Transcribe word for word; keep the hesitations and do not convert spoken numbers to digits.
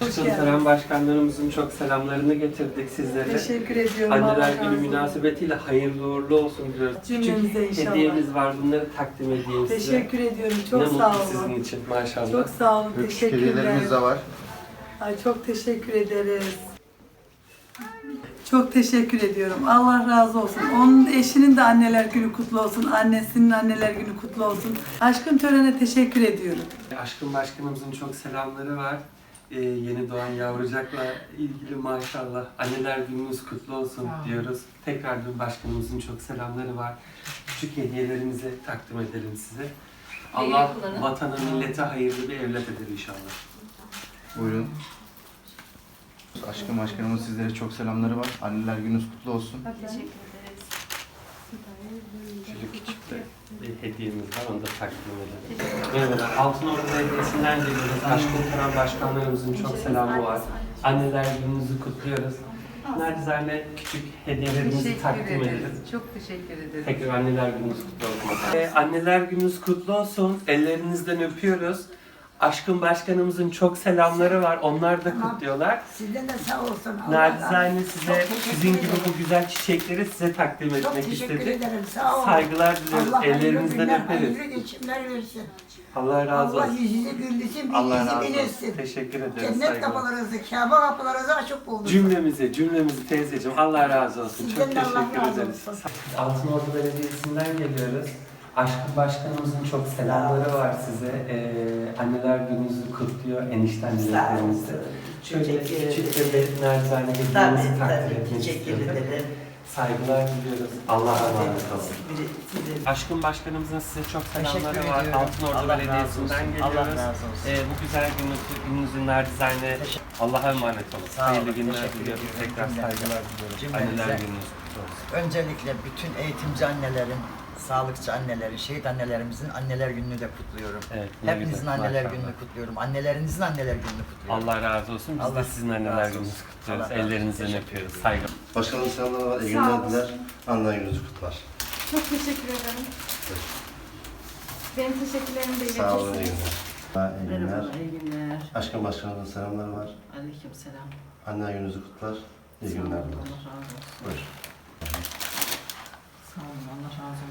Aşkın Tören Başkanlarımızın çok selamlarını getirdik sizlere. Teşekkür ediyorum. Anneler Günü münasebetiyle hayırlı uğurlu olsun diyoruz. Cümlemize Küçük inşallah. hediyemiz var, bunları takdim edeyim size. Teşekkür ediyorum. Çok ne sağ mutlu olun. sizin için maşallah. Çok sağ olun. Küçük Teşekkürler. hediyelerimiz de var. Ay, çok teşekkür ederiz. Çok teşekkür ediyorum. Allah razı olsun. Onun eşinin de anneler günü kutlu olsun. Annesinin anneler günü kutlu olsun. Aşkın Tören'e teşekkür ediyorum. Aşkın Başkanımızın çok selamları var. Ee, yeni doğan yavrucakla ilgili maşallah. Anneler gününüz kutlu olsun diyoruz. Tekrar bir başkanımızın çok selamları var. Küçük hediyelerimizi takdim edelim size. Allah vatana, millete hayırlı bir evlat eder inşallah. Buyurun. Aşkım başkanımız sizlere çok selamları var. Anneler gününüz kutlu olsun. Teşekkür ederiz. Şöyle küçük de bir hediyemiz var, onu da takdim edelim. Merhabalar, Altınordu Belediyesi'nden geliyoruz. Aşkın Tören Başkanlarımızın çok selamı var. Anneler gününüzü kutluyoruz. Nacizane küçük hediyelerimizi takdim edelim. Çok teşekkür ederiz. Tekrar anneler gününüz kutlu olsun. Ee, anneler gününüz kutlu olsun. Ellerinizden öpüyoruz. Aşkın Başkanımızın çok selamları var. Onlar da kutluyorlar. Sizden de sağ olsun. Nacizane size Çok teşekkür sizin gibi ederim. bu güzel çiçekleri size takdim Çok etmek teşekkür istedik. ederim. Sağ olun. Saygılar diliyoruz. Allah hayırlı Ellerinizden günler, öperiz. hayırlı geçimler versin. Allah razı Allah olsun. yüzünü güldürsün, Allah razı bilgisi olsun. bilirsin. Teşekkür ederiz. Cennet Saygılar. kapılarınızı, Kabe kapılarınızı açık bulduk. Cümlemizi, cümlemizi teyzeciğim. Allah razı olsun. Sizden Çok de Allah teşekkür razı ederiz. olsun. Altınordu Belediyesi'nden geliyoruz. Aşkın Başkanımızın çok selamları var size. Ee, anneler gününüzü kutluyor. Enişte annelerimizi. Şöyle küçük bir nacizane hediyemizi takdir etmek istiyorum. Saygılar diliyoruz. Allah'a emanet olun. Aşkın Başkanımızın size çok selamları Teşekkür var. ediyorum. Altınordu Allah razı Belediyesi'nden olsun. geliyoruz. Allah razı olsun. Ee, bu güzel gününüz, gününüzün nacizane Allah'a emanet olun. Sağ olun, Hayırlı günler teşekkür diliyorum. ediyorum. Tekrar Cümlemize. saygılar diliyorum. Cümlemize. Anneler gününüz kutlu olsun. Öncelikle bütün eğitimci annelerin, sağlıkçı annelerin, şehit annelerimizin anneler gününü de kutluyorum. Evet, ne Hepinizin güzel, anneler maşallah. gününü kutluyorum. Annelerinizin anneler gününü kutluyorum. Allah razı olsun. Biz Allah de sizin anneler razı gününüzü olsun. kutluyoruz. Allah razı olsun. Ellerinizden Teşekkür öpüyoruz. ederim. Saygı. Başkanım selamlar var. İyi Sağ günler olun. diler. Anneler gününüzü kutlar. Çok teşekkür ederim. Benim teşekkürlerimi de Sağ olun. İyi iletirsiniz. günler. İyi günler. Merhaba, iyi günler. Aşkın başkanımızın selamları var. Aleyküm selam. Anneler gününüzü kutlar. İyi Sağ olun, günler diler. Allah razı olsun. Buyur. Sağ olun, Allah razı